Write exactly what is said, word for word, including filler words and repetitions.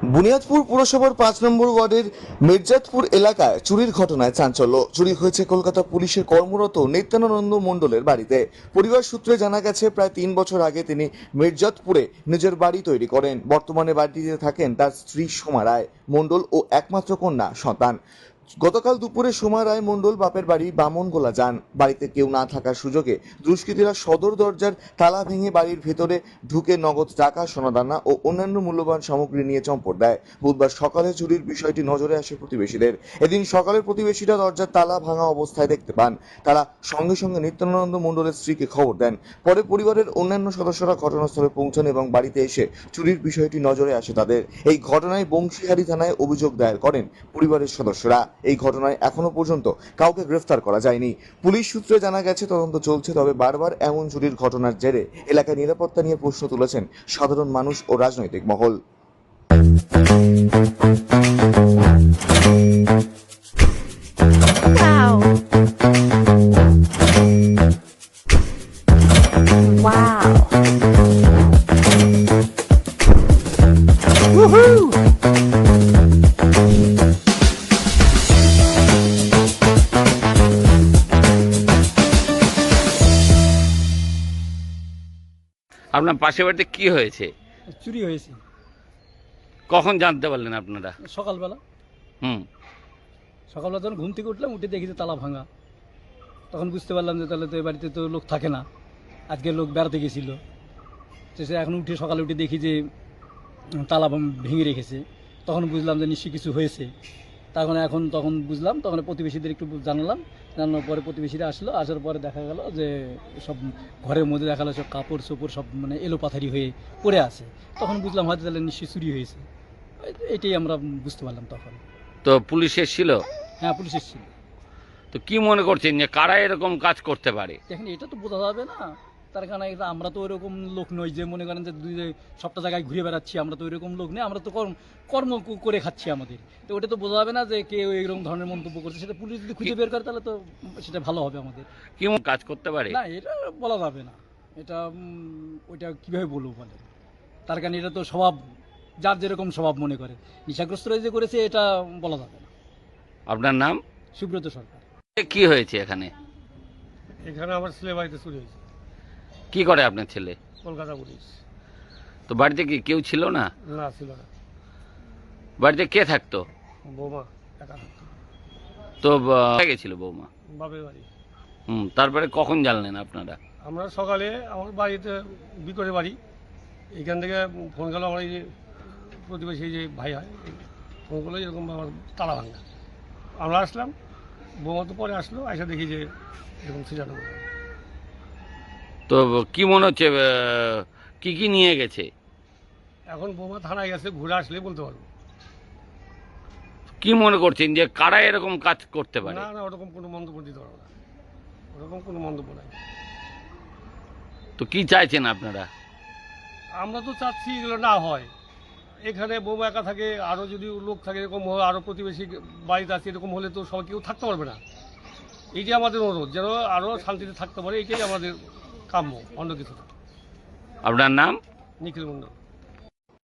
বুনিয়াদপুর পুরসভার পাঁচ নম্বর ওয়ার্ডের মির্জাতপুর এলাকায় চুরির ঘটনায় চাঞ্চল্য। চুরি হয়েছে কলকাতা পুলিশের কর্মরত নিত্যানন্দ মণ্ডলের বাড়িতে। পরিবার সূত্রে জানা গেছে, প্রায় তিন বছর আগে তিনি মির্জাতপুরে নিজের বাড়ি তৈরি করেন। বর্তমানে বাড়িটিতে থাকেন তার স্ত্রী সোমা রায় মণ্ডল ও একমাত্র কন্যা সন্তান। গতকাল দুপুরে সোমা রায় মণ্ডল বাপের বাড়ি বামনগোলা যান। বাড়িতে কেউ না থাকার সুযোগে দুষ্কৃতীরা সদর দরজার তালা ভেঙে বাড়ির ভেতরে ঢুকে নগদ টাকা, সোনাদানা ও অন্যান্য মূল্যবান সামগ্রী নিয়ে চম্পট দেয়। বুধবার সকালে চুরির বিষয়টি নজরে আসে প্রতিবেশীদের। এদিন সকালে প্রতিবেশীরা দরজার তালা ভাঙা অবস্থায় দেখতে পান। তারা সঙ্গে সঙ্গে নিত্যানন্দ মণ্ডলের স্ত্রীকে খবর দেন। পরে পরিবারের অন্যান্য সদস্যরা ঘটনাস্থলে পৌঁছান এবং বাড়িতে এসে চুরির বিষয়টি নজরে আসে তাদের। এই ঘটনায় বংশীহারি থানায় অভিযোগ দায়ের করেন পরিবারের সদস্যরা। এই ঘটনায় এখনো পর্যন্ত কাউকে গ্রেফতার করা যায়নি। পুলিশ সূত্রে জানা গেছে, তদন্ত চলছে। তবে বারবার এমন চুরির ঘটনার জেরে এলাকায় নিরাপত্তা নিয়ে প্রশ্ন তুলেছেন সাধারণ মানুষ ও রাজনৈতিক মহল। Wow. Woohoo! আপনার পাশের বাড়িতে কি হয়েছে? চুরি হয়েছে। কখন জানতে পারলেন আপনারা? সকালবেলা হুম সকালবেলা যখন ঘুম থেকে উঠলাম, উঠে দেখি যে তালা ভাঙা। তখন বুঝতে পারলাম যে তাহলে তো এ বাড়িতে তো লোক থাকে না, আজকে লোক বেড়াতে গেছিল। তো সে এখন উঠে সকালে উঠে দেখি যে তালা ভেঙে রেখেছে। তখন বুঝলাম যে নিশ্চয়ই কিছু হয়েছে। তখন এখন তখন বুঝলাম, তখন প্রতিবেশীদের একটু জানালাম। জানানোর পরে প্রতিবেশীরা আসলো। আসার পরে দেখা গেল যে সব ঘরের মধ্যে দেখা গেলো সব কাপড় চোপড় সব মানে এলো পাথারি হয়ে পড়ে আছে। তখন বুঝলাম হয়তো তাহলে নিশ্চয়ই চুরি হয়েছে। এটাই আমরা বুঝতে পারলাম তখন। তো পুলিশ এসেছিল? হ্যাঁ, পুলিশ এসেছিল। তো কি মনে করছেন যে কারা এরকম কাজ করতে পারে? দেখেন, এটা তো বোঝা যাবে না। তার কারণে এটা আমরা তো ওইরকম লোক নই যে মনে করেন যে দুই সবটা জায়গায় ঘুরে বেড়াচ্ছি। আমরা তো ওইরকম লোক নেই, আমরা তো কর্ম কর্ম করে খাচ্ছি আমাদের। তো ওটা তো বোঝা যাবে না যে কেউ এইরকম ধরনের মন্তব্য করছে। সেটা পুলিশ যদি খুঁজে বের করে তাহলে তো সেটা ভালো হবে আমাদের। কি কাজ করতে পারে না, এটা বলা যাবে না। এটা ওইটা কীভাবে বলবো বলে, তার কারণে এটা তো স্বভাব, যার যেরকম স্বভাব মনে করে। নেশাগ্রস্তরা যে করেছে এটা বলা যাবে না। আপনার নাম? সুব্রত সরকার। কি হয়েছে এখানে? এখানে আমার ছেলে বাড়িতে চুরি হয়েছে। কি করে আপনার ছেলে? কলকাতা পুলিশ। তো বাড়িতে কি কেউ ছিল না? না, ছিল না। বাড়িতে কে থাকতো? বৌমা একা থাকতো। তো গেছিল বৌমা বাপের বাড়ি। হুম তারপরে কখন জানলেন আপনারা? আমরা সকালে আমার বাড়িতে বিকরে বাড়ি, এখান থেকে ফোন গেল আমার এই যে প্রতিবেশী যে ভাই হয়, ফোন করলো এরকম আমার তালা ভাঙা। আমরা আসলাম, বৌমা তো পরে আসলো, এসে দেখি যে এরকম সিজানো। তো কি মনে হচ্ছে কি কি নিয়ে গেছে? এখন বৌমা থানায় গেছে, ঘুরে আসলে বলতে পারবো। কি মনে করছেন যে কারা এরকম কাজ করতে পারে? না না, ওরকম কোনো মন্তব্য দিতে পারবো না, ওরকম কোনো মন্তব্য নাই। তো কি চাইছেন আপনারা? আমরা তো চাচ্ছি এগুলো না হয়। এখানে বৌমা একা থাকে, আরও যদি লোক থাকে এরকম, আরও প্রতিবেশী বাড়িতে আছে এরকম হলে তো সবাই কেউ থাকতে পারবে না। এইটাই আমাদের অনুরোধ, যেন আরও শান্তিতে থাকতে পারে। এইটাই আমাদের কাম্য, অন্য কিছু না। আপনার নাম? নিখিল মণ্ডল।